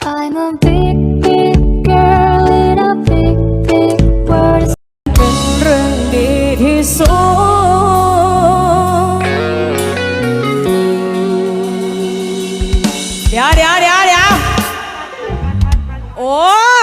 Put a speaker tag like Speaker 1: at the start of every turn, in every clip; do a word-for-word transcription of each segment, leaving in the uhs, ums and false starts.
Speaker 1: I'm a big big girl in a big big world
Speaker 2: เป็นเรื่องดีที่สุดเดี๋ยวเดี๋ยวเดี๋ยวเดี๋ยวโอ้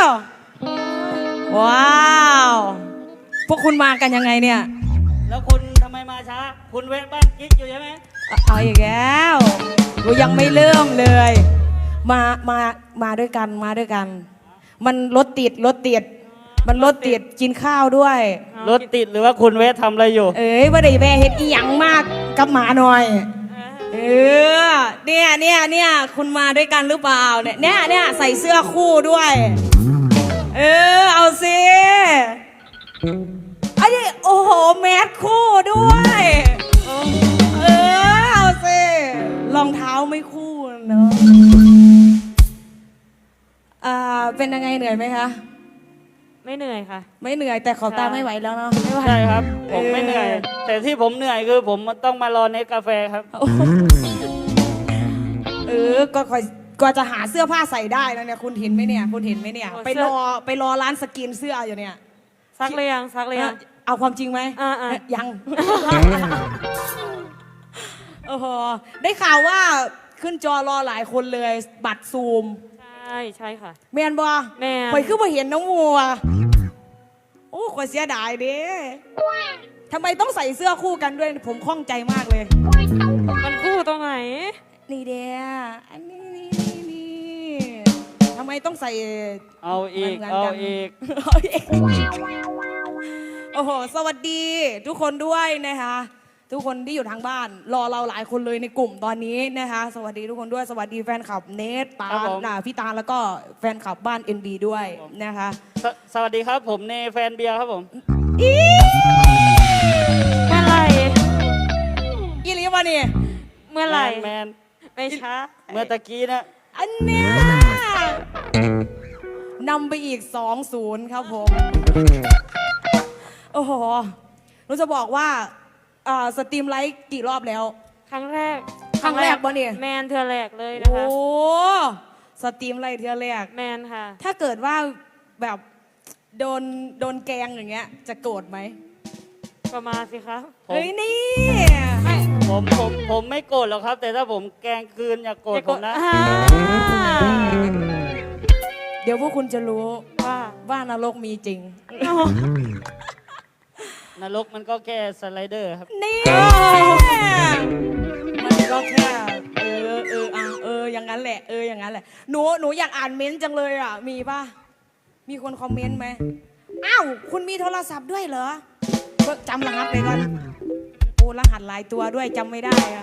Speaker 2: ว้าวพวกคุณมากันยังไงเนี่ย
Speaker 3: แล้วคุณทำไมมาช้าคุณแวะบ้านกิ๊กอยู่ใช่ไหม
Speaker 2: เอาอีกแล้วกูยังไม่เริ่มเลย มา มา มาด้วยกัน มาด้วยกัน มันรถติด รถติด มันรถติด กินข้าวด้วย
Speaker 3: รถติดหรือว่าคุณแวะทำอะไรอยู่
Speaker 2: เอ้ยว่าได้แม่เฮ็ดอีหยังมากกับหมาหน่อย เออ เนี่ยเนี่ยเนี่ยคุณมาด้วยกันหรือเปล่า เนี่ยเนี่ยเนี่ยใส่เสื้อคู่ด้วย เออ เอาสิไอ้นี่โอ้โห แมสคู่ด้วย เออ เอาสิรองเท้าไม่คู่เนอะอ่าเป็นยังไงเหนื่อยไหมคะ
Speaker 4: ไม่เหนื่อยค่ะ
Speaker 2: ไม่เหนื่อยแต่ขอบตาไม่ไหวแล้วเนาะไม่ไหว
Speaker 3: ใช่ครับผมไม่เหนื่อย แต่ที่ผมเหนื่อยคือผมต้องมารอเนสกาแฟครับ
Speaker 2: เออก็คอยกว่าจะหาเสื้อผ้าใส่ได้แล้วเนี่ยคุณเห็นไหมเนี่ยคุณเห็นไหมเนี่ย
Speaker 4: โอ้
Speaker 2: ไป
Speaker 4: เสื้
Speaker 2: ร
Speaker 4: อ
Speaker 2: อไปรอร้านสกินเสื้ออยู่เนี่ย
Speaker 4: ซักเลยยังซักเลยยัง
Speaker 2: เอาความจริงไหม
Speaker 4: อ่าๆ
Speaker 2: เอ๊ะยัง โอ้โหได้ข่าวว่าขึ้นจอรอหลายคนเลยบัตรซูม
Speaker 4: ใช่ใช่ค่ะ
Speaker 2: แมนบอ
Speaker 4: แม่น
Speaker 2: ข่อยคือมาเห็นน้องมัวโอ้ข่อยเสียดายเด้ทำไมต้องใส่เสื้อคู่กันด้วยผมข้องใจมากเลย
Speaker 4: มันคู่ตรงไหน
Speaker 2: นี่เดียอันนี้นี่นี่นี่ทำไมต้องใส่
Speaker 3: เอาอีก
Speaker 2: หมืนน
Speaker 3: เอา
Speaker 2: กัน
Speaker 3: อีก
Speaker 2: เอาอีกโอ้โหสวัสดีทุกคนด้วยนะคะทุกคนที่อยู่ทางบ้าน รอเราหลายคนเลยในกลุ่มตอนนี้นะคะสวัสดีทุกคนด้วยสวัสดีแฟนคลับเนทตา
Speaker 3: ครับผม
Speaker 2: น่ะพี่ตาแล้วก็แฟนคลับบ้าน เอ็น บี ด้วยนะคะ
Speaker 3: สสวัสดีครับผมเนแฟนเบียร์ครับผม
Speaker 2: อี
Speaker 4: เมื่อไหร่
Speaker 2: อีลีมาเนี่ย
Speaker 4: เมื่อไหร่
Speaker 3: แมน
Speaker 4: ไม่ช้า
Speaker 3: เมื่อตะกี้นะ
Speaker 2: อันเนี้ยนำไปอีก สองศูนย์ ครับผม โอ้โหหนูจะบอกว่าอ่าสตรีมไลฟ์กี่รอบแล้ว
Speaker 4: ครั้งแรก
Speaker 2: ครั้งแรกปะเนี่ย
Speaker 4: แมนเธอแรกเลยนะ
Speaker 2: โอ้
Speaker 4: คะ
Speaker 2: สตรีมไลฟ์เทือแรก
Speaker 4: แมนค่ะ
Speaker 2: ถ้าเกิดว่าแบบโดนโดนแกงอย่างเงี้ย จะโกรธไหม
Speaker 4: ก็มาสิคะ
Speaker 3: ผม
Speaker 2: เฮ้ยนี่
Speaker 3: ผมผมผมไม่โกรธหรอกครับ แต่ถ้าผมแกล้งคืนอย่าโกรธผมนะ
Speaker 4: อ่า
Speaker 2: เดี๋ยวพวกคุณจะรู้
Speaker 4: ว่า
Speaker 2: ว่านรกมีจริง
Speaker 3: นรกมันก็แค่สไลเดอร์ครับ
Speaker 2: นี่มันก็แค่เออเอออ่ะเอออย่างนั้นแหละเอออย่างนั้นแหละหนูหนูอยากอ่านเม้นต์จังเลยอ่ะมีป่ะมีคนคอมเมนต์ไหมอ้าวคุณมีโทรศัพท์ด้วยเหรอก็จำรหัสไปก่อนโอ้รหัสหลายตัวด้วยจำไม่ได้อะ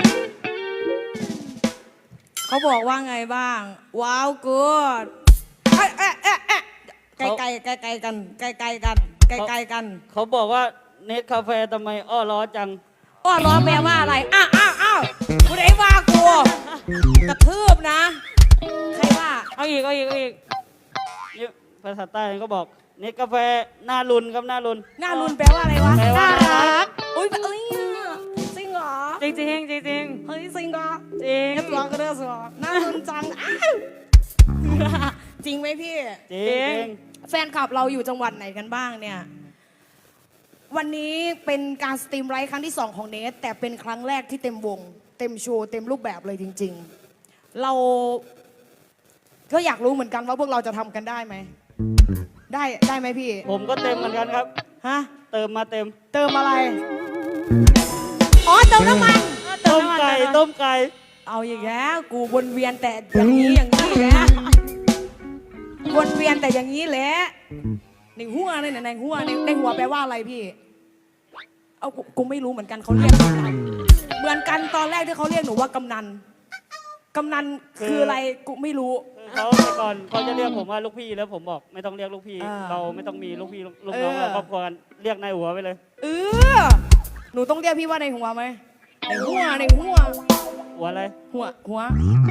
Speaker 2: เขาบอกว่าไงบ้างว้าวกูดเอ๊ะเอ๊ะเอ๊ะเอ๊ะไกลไกลไกลไกลกันไกลไกลกันไกลไกลกัน
Speaker 3: เขาบอกว่าเนสกาแฟทำไมอ้อล้อจัง
Speaker 2: อ้อล้อแปลว่าอะไร อ้าวอ้าวอ้าวกูได้ว่ากูกระทืบนะ ใครว่า
Speaker 4: เอาอีกเอาอีกเอาอีก
Speaker 3: นี่ภาษาใต้ก็บอกเนสกาแฟหน้ารุนครับหน้ารุน
Speaker 2: หน้ารุนแปลว่าอะไรวะ
Speaker 3: แปลว่า
Speaker 2: น่ารักอุ้ยเอ้ยจริงเหรอ
Speaker 4: จริงจริงจริงจริง
Speaker 2: เฮ้ยจริงเหรอ
Speaker 4: จริง
Speaker 2: เอฟร้องก็ได้สิวะน่ารุนจังอ้าวจริงไหมพี่
Speaker 3: จริง
Speaker 2: แฟนคลับเราอยู่จังหวัดไหนกันบ้างเนี่ย วันนี้เป็นการสตรีมไลฟ์ครั้งที่สองของเนทแต่เป็นครั้งแรกที่เต็มวง เต็มโชว์เต็มรูปแบบเลยจริง ๆ เราก็อยากรู้เหมือนกันว่าพวกเราจะทำกันได้ไหม ได้ได้ไหมพี่
Speaker 3: ผมก็เต็มเหมือนกันครับ
Speaker 2: ฮะ
Speaker 3: เติมมาเต็ม
Speaker 2: เติมอะไร อ๋อเติมน้ำมัน
Speaker 3: ต้มไก่ต้มไก่
Speaker 2: เอาอย่างแล้กูวนเวียนแต่อย่างนี้อย่างนี้แหละวนเวียนแต่อย่างนี้แหละในหัวในในหัวในในหัวแปลว่าอะไรพี่ เอากูกูไม่รู้เหมือนกันเขาเรียกกำนันเหมือนกันตอนแรกที่เขาเรียกหนูว่ากำนันกำนันคืออะไรกูไม่รู้
Speaker 3: คือเขาแต่ก่อนเขาจะเรียกผมว่าลูกพี่แล้วผมบอกไม่ต้องเรียกลูกพี่
Speaker 2: อ่า
Speaker 3: เราไม่ต้องมีลูกพี่ลูกลูก
Speaker 2: เออ
Speaker 3: น้องเราครอบครัวกันเรียกนายหัวไปเลย
Speaker 2: เออหนูต้องเรียกพี่ว่าในหัวไหมในหัวในหัว
Speaker 3: หัวอะไร
Speaker 2: หัวหัว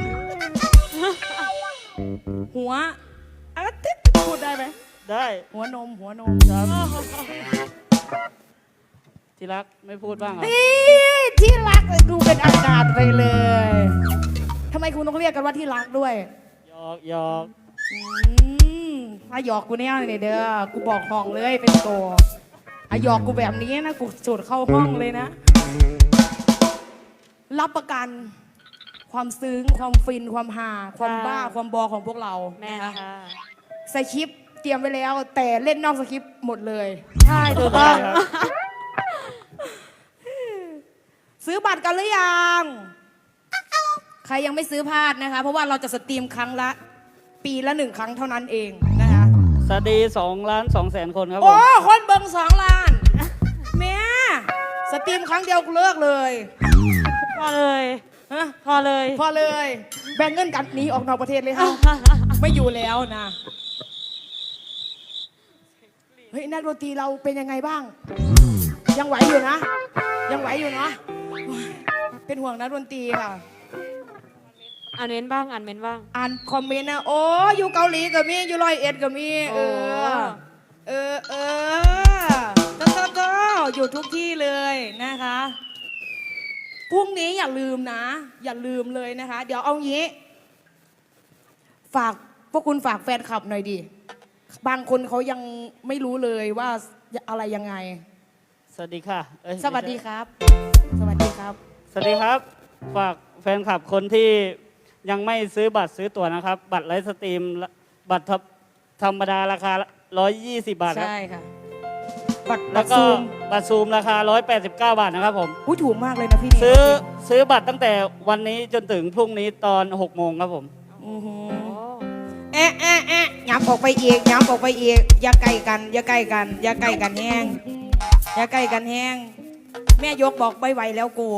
Speaker 2: หัวอะไรติดพูดได้ไหม
Speaker 3: ได้
Speaker 2: หัวนมหัวนม
Speaker 3: ครับที่รักไม่พูดบ้างเหรอ
Speaker 2: นี่ที่รักเลยดูเป็นอากาศไปเลยทำไมคุณต้องเรียกกันว่าที่รักด้วย
Speaker 3: หยอกหยอก
Speaker 2: อืมถ้าหยอกกูแน่เลยเด้อกูบอกห้องเลยเป็นตัวอ่ะหยอกกูแบบนี้นะกูจุดเข้าห้องเลยนะ รับประกันความซึ้งความฟินความฮาความบ้าความบอของพวกเรา
Speaker 4: แม่
Speaker 2: นะคะ
Speaker 4: ค่ะ
Speaker 2: สคริปต์เตรียมไว้แล้ว แต่เล่นนอกสคริปต์หมดเลย
Speaker 4: ใช่ถูกต้อง
Speaker 2: ซื้อบัตรกันหรือยัง ใครยังไม่ซื้อพลาดนะคะ เพราะว่าเราจะสตรีมครั้งละ ปีละหนึ่งครั้งเท่านั้นเองนะคะ
Speaker 3: สวัสดีสองล้านสองแสนคนครับผ
Speaker 2: โอ้
Speaker 3: ม
Speaker 2: คนเบิงสองล้านแม่สตรีมครั้งเดียวกูเลิกเลย
Speaker 4: พอเลย
Speaker 2: ฮะ
Speaker 4: พอเลย
Speaker 2: พอเลย แบ่งเงินกันหนีออกนอกประเทศเลยค่ะไม่อยู่แล้วนะ เฮ้ยนักดนตรีเราเป็นยังไงบ้าง ยังไหวอยู่นะ ยังไหวอยู่เนาะโอ้ยเป็นห่วงนักดนตรีค่ะ
Speaker 4: อ่านเม้นบ้างอ่านเม้นบ้าง
Speaker 2: อ่านคอมเมนต์นะโอ้อยู่เกาหลีก็มีอยู่ร้อยเอ็ดก็มี เออ เออเออเจ้าเจ้าเจ้าอยู่ทุกที่เลยนะคะพรุ่งนี้อย่าลืมนะ อย่าลืมเลยนะคะ เดี๋ยวเอางี้ ฝากพวกคุณฝากแฟนคลับหน่อยดิ บางคนเขายังไม่รู้เลยว่าอะไรยังไง
Speaker 3: สวัสดีค่ะเอ้ย
Speaker 2: สวัสดีครับ สวัสดีครับ
Speaker 3: สวัสดีครับ ฝากแฟนคลับคนที่ยังไม่ซื้อบัตรซื้อตั๋วนะครับ บัตรไลฟ์สตรีม บัตรธรรมดาราคาหนึ่งร้อยยี่สิบบาทครับ
Speaker 2: ใช่ค่ะ บัตรบั
Speaker 3: แล้
Speaker 2: ต
Speaker 3: ว
Speaker 2: ร
Speaker 3: ก็
Speaker 2: ซูม
Speaker 3: บัตรซูมราคาหนึ่งร้อยแปดสิบเก้าบาทนะครับผม
Speaker 2: อุ้ยถูกมากเลยนะพี่เนย
Speaker 3: ซื้อซื้อบัตรตั้งแต่วันนี้จนถึงพรุ่งนี้ตอนหกโมงครับผม
Speaker 2: อือหือ
Speaker 4: โอ้
Speaker 2: เอ๊ะเอ๊ะเอ๊ะย้ำออกไปอีกย้ำออกไปอีกอย่าใกล้กันอย่าใกล้กันอย่าใกล้กันแห้งอย่าใกล้กันแห้งแม่ยกบอกไม่ไหวแล้วกู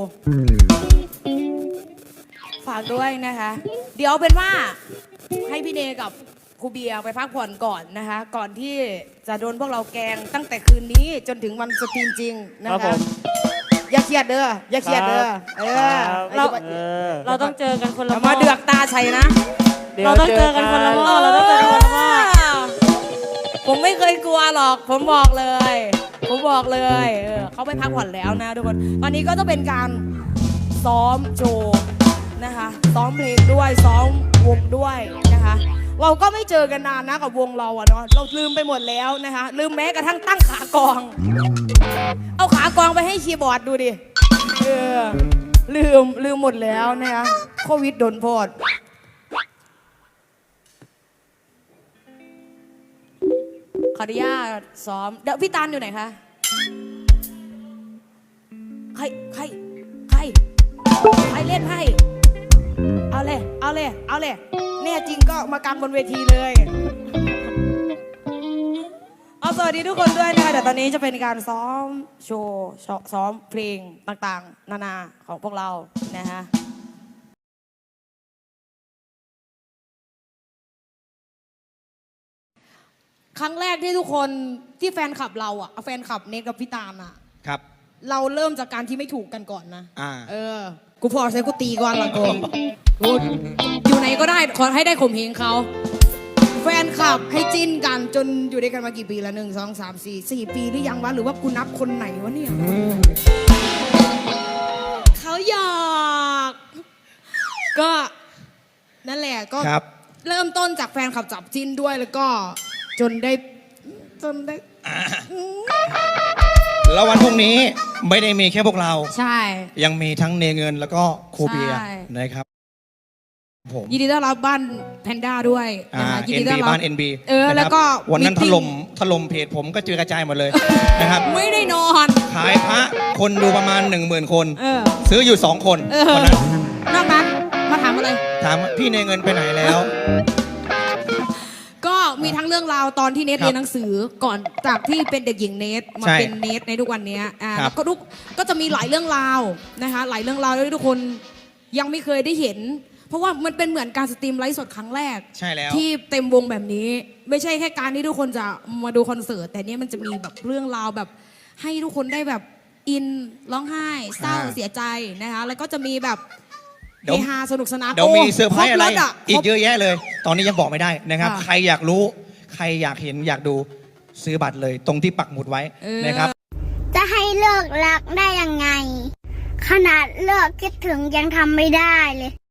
Speaker 2: ฝากด้วยนะคะ เดี๋ยวเป็นว่าให้พี่เนยกับครูเบียร์ไปพักผ่อนก่อนนะคะ ก่อนที่จะโดนพวกเราแกล้งตั้งแต่คืนนี้จนถึงวันสตรีมจริงนะครับ
Speaker 3: ผม
Speaker 2: อย่าเครียดเด้ออย่าเครียดเด้อเออ
Speaker 3: ครับ
Speaker 2: เรา
Speaker 3: เออ
Speaker 4: เราต้องเจอกันคนละ
Speaker 2: อย่ามาเดือกตาใส่นะ
Speaker 3: ดี๋ยว
Speaker 4: เราต้องเจอกันคนละหม้อเราต้องเจอกันคนละหม้อ
Speaker 2: ผมไม่เคยกลัวหรอก ผมบอกเลย ผมบอกเลยเออเขาไปพักผ่อนแล้วนะทุกคน ตอนนี้ก็จะเป็นการซ้อมโชว์นะคะ ซ้อมเพลงด้วย ซ้อมวงด้วยนะคะ เราก็ไม่เจอกันนานนะกับวงเราอะเนาะ เราลืมไปหมดแล้วนะคะ ลืมแม้กระทั่งตั้งขากอง เอาขากองไปให้คีย์บอร์ดดูดิ เออ ลืม ลืมหมดแล้วนะคะโควิดโดนโพด ขออนุญาตซ้อม เดี๋ยวพี่ตาลอยู่ไหนคะ ใคร ใคร ใคร ใครเล่นให้ เอาเลย เอาเลย เอาเลยแน่จริงก็มากางบนเวทีเลย เอาสวัสดีทุกคนด้วยนะคะเดี๋ยวตอนนี้จะเป็นการซ้อมโชว์ซ้อมเพลงต่างๆ นานาของพวกเรานะฮะ ครั้งแรกที่ทุกคนที่แฟนคลับเราอะแฟนคลับเนทกับพี่ตาลอะ
Speaker 5: ครับ
Speaker 2: เราเริ่มจากการที่ไม่ถูกกันก่อนนะ
Speaker 5: อ่า
Speaker 2: เออ กูพอใช้กูตีก่อนละกูกูอยู่ไหนก็ได้ขอให้ได้ข่มเหงเขา แฟนคลับให้จิ้นกันจนอยู่ด้วยกันมากี่ปีละหนึ่งสองสามสี่สี่ปีหรือยังวะหรือว่ากูนับคนไหนวะเนี่ยเขาหยอกก็นั่นแหละก็
Speaker 5: ครับ
Speaker 2: เริ่มต้นจากแฟนคลับจับจิ้นด้วยแล้วก็จนได้จนได้
Speaker 5: แล้ววันพรุ่งนี้ไม่ได้มีแค่พวกเรา
Speaker 2: ใช่
Speaker 5: ยังมีทั้งเนเงินแล้วก็ครูเบียร์
Speaker 2: ใช่
Speaker 5: นะครับผม
Speaker 2: ยินดีต้อนรับบ้านแพนด้าด้วย
Speaker 5: อ่า
Speaker 2: นะคะยิน
Speaker 5: เอ็
Speaker 2: ดี
Speaker 5: น
Speaker 2: ต้อ
Speaker 5: บี
Speaker 2: นรับ
Speaker 5: บ้าน เอ็น บี
Speaker 2: เออแล้วก็
Speaker 5: วันนั้นถ
Speaker 2: meeting
Speaker 5: ล่มถล่มเพจผมก็เจอกระจายหมดเลยนะครับ
Speaker 2: ไม่ได้นอน
Speaker 5: ขายพระคนดูประมาณหนึ่งหมื่นคน
Speaker 2: เออ
Speaker 5: ซื้ออยู่สองคน
Speaker 2: เออ
Speaker 5: วันนั้น
Speaker 2: นอกนั้นมาถามอะไร
Speaker 5: ถามว่าพี่เนเงินไปไหนแล้ว
Speaker 2: ก็มีทั้งเรื่องราวตอนที่เนท
Speaker 5: ครับ
Speaker 2: เรียนหนังสือก่อนจากที่เป็นเด็กหญิงเนทมา
Speaker 5: ใช่
Speaker 2: เป็นเนทในทุกวันนี้อ่า
Speaker 5: ครับ
Speaker 2: แล้วก็ทุกก็จะมีหลายเรื่องราวนะคะหลายเรื่องราวที่ทุกคนยังไม่เคยได้เห็น เพราะว่ามันเป็นเหมือนการสตรีมไลฟ์สดครั้งแรก
Speaker 5: ใช่แล้ว
Speaker 2: ที่เต็มวงแบบนี้ ไม่ใช่แค่การที่ทุกคนจะมาดูคอนเสิร์ตแต่เนี้ยมันจะมีแบบเรื่องราวแบบให้ทุกคนได้แบบอินร้องไห้เศร้า
Speaker 5: อ่า
Speaker 2: เสียใจนะคะแล้วก็จะมีแบบ
Speaker 5: เดี๋ยว
Speaker 2: เฮฮาสนุกสนาน
Speaker 5: เดี๋ยวมี
Speaker 2: โ
Speaker 5: เซอร์ไพรส์อะไร
Speaker 2: คบถ
Speaker 5: อี
Speaker 2: ค
Speaker 5: ก
Speaker 2: บ
Speaker 5: เยอะแยะเลย ตอนนี้ยังบอกไม่ได้นะครับ
Speaker 2: ค่ะ
Speaker 5: ใครอยากรู้ ใครอยากเห็นอยากดูซื้อบัตรเลย ตรงที่ปักหมุดไว้
Speaker 2: เออ
Speaker 5: นะครับ
Speaker 6: จะให้เลิกรักได้ยังไง ขนาดเลิกคิดถึงยังทำไม่ได้เลย